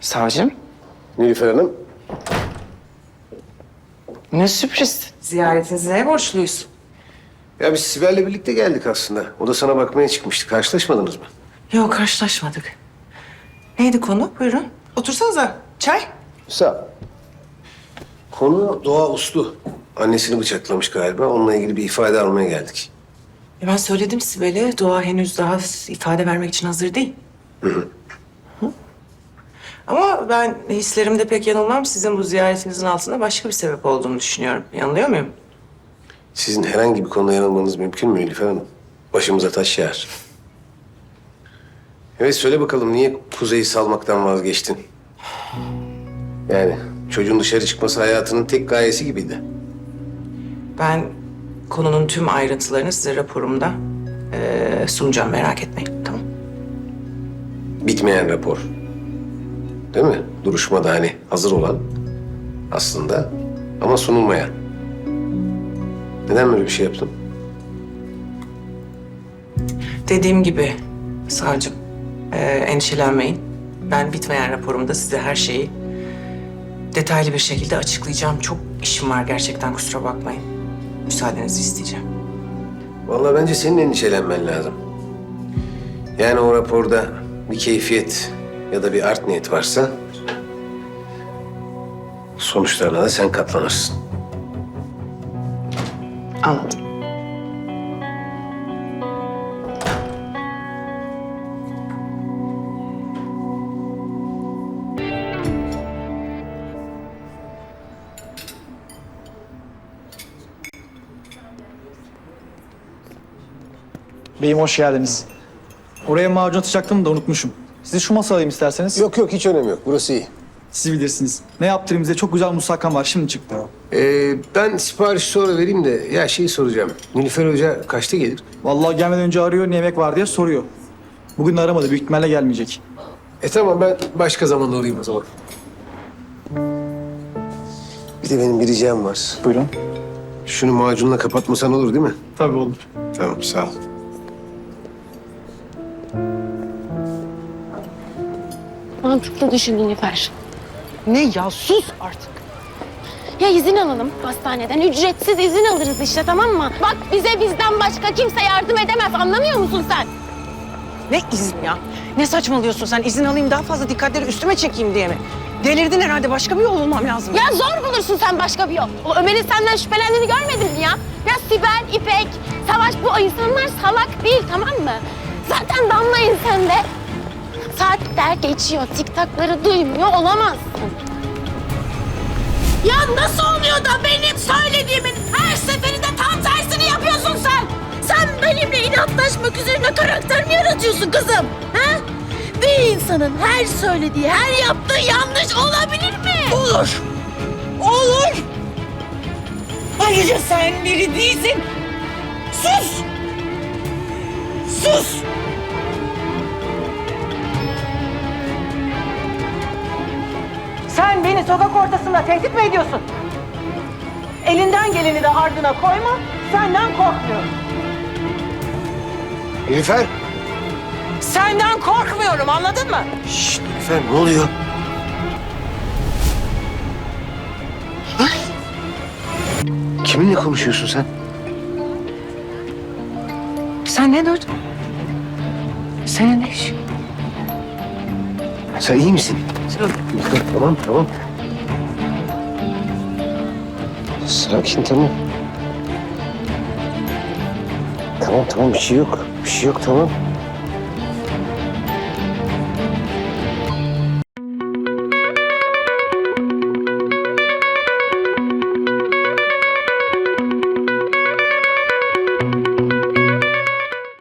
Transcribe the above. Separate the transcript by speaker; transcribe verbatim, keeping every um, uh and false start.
Speaker 1: Savcım,
Speaker 2: Nilüfer Hanım.
Speaker 1: ne sürpriz.
Speaker 3: Ziyaretinize borçluyuz.
Speaker 2: Ya biz Sibel'le birlikte geldik aslında. O da sana bakmaya çıkmıştı. Karşılaşmadınız mı?
Speaker 3: Yok, karşılaşmadık. Neydi konu? Buyurun. Otursanıza. Çay.
Speaker 2: Sağ ol. Konu Doğa Uslu. Annesini bıçaklamış galiba. Onunla ilgili bir ifade almaya geldik.
Speaker 3: E ben söyledim Sibel'e. Doğa henüz daha ifade vermek için hazır değil. Hı hı. Ama ben hislerimde pek yanılmam. Sizin bu ziyaretinizin altında başka bir sebep olduğunu düşünüyorum. Yanılıyor muyum?
Speaker 2: Sizin herhangi bir konuda yanılmanız mümkün mü Nilüfer Hanım? Başımıza taş yağar. Evet, söyle bakalım, niye Kuzey'i salmaktan vazgeçtin? Yani çocuğun dışarı çıkması hayatının tek gayesi gibiydi.
Speaker 3: Ben konunun tüm ayrıntılarını size raporumda eee, sunacağım. Merak etmeyin. Tamam.
Speaker 2: Bitmeyen rapor. Değil mi? Duruşmada hani hazır olan aslında ama sunulmayan. Neden böyle bir şey yaptın?
Speaker 3: Dediğim gibi savcım, eee, endişelenmeyin. Ben bitmeyen raporumda size her şeyi detaylı bir şekilde açıklayacağım. Çok işim var gerçekten, kusura bakmayın. Müsaadenizi isteyeceğim.
Speaker 2: Vallahi bence senin endişelenmen lazım. Yani o raporda bir keyfiyet ya da bir art niyet varsa sonuçlarına da sen katlanırsın.
Speaker 3: Anladım.
Speaker 4: Beyim hoş geldiniz. Oraya macun atacaktım da unutmuşum. Sizi şu masaya alayım isterseniz.
Speaker 2: Yok yok, hiç önemi yok. Burası iyi.
Speaker 4: Siz bilirsiniz. Ne yaptırayım size? Çok güzel musakkam var. Şimdi çıktı.
Speaker 2: Ee, ben sipariş sonra vereyim de ya şeyi soracağım. Nilüfer Hoca kaçta gelir?
Speaker 4: Vallahi gelmeden önce arıyor, ne yemek var diye soruyor. Bugün de aramadı. Büyük ihtimalle gelmeyecek.
Speaker 2: E tamam, ben başka zaman alayım o zaman. Bir de benim bir ricam var.
Speaker 4: Buyurun.
Speaker 2: Şunu macunla kapatmasan olur değil mi?
Speaker 4: Tabii olur.
Speaker 2: Tamam, sağ ol.
Speaker 5: Mantıklı düşün Nilüfer.
Speaker 1: Ne ya, sus artık.
Speaker 5: Ya izin alalım hastaneden. Ücretsiz izin alırız işte, tamam mı? Bak, bize bizden başka kimse yardım edemez. Anlamıyor musun sen?
Speaker 1: Ne izin ya? Ne saçmalıyorsun sen? İzin alayım, daha fazla dikkatleri üstüme çekeyim diye mi? Delirdin herhalde, başka bir yol bulmam lazım.
Speaker 5: Ya zor bulursun sen başka bir yol. O Ömer'in senden şüphelendiğini görmedin mi ya? Ya Sibel, İpek, Savaş, bu insanlar salak değil, tamam mı? Zaten damlayın sen de. Saatler geçiyor, tiktakları duymuyor olamazsın. Ya nasıl oluyor da benim söylediğimin her seferinde tam tersini yapıyorsun sen? Sen benimle inatlaşmak üzerine karakter mi yaratıyorsun kızım? Ha? Bir insanın her söylediği, her yaptığı yanlış olabilir mi?
Speaker 1: Olur. Olur. Ayrıca sen biri değilsin. Sus. Sus.
Speaker 6: Sen beni sokak ortasında tehdit mi ediyorsun? Elinden geleni de ardına koyma, senden korkmuyorum.
Speaker 2: Nilüfer!
Speaker 6: Senden korkmuyorum, anladın mı?
Speaker 2: Şşt Nilüfer, ne oluyor? Kiminle konuşuyorsun sen?
Speaker 3: Sen ne duydun? Senin ne işin?
Speaker 2: Sen iyi misin? Nilüfer, tamam tamam. Sakin, tamam. Tamam tamam, bir şey yok. Bir şey yok, tamam.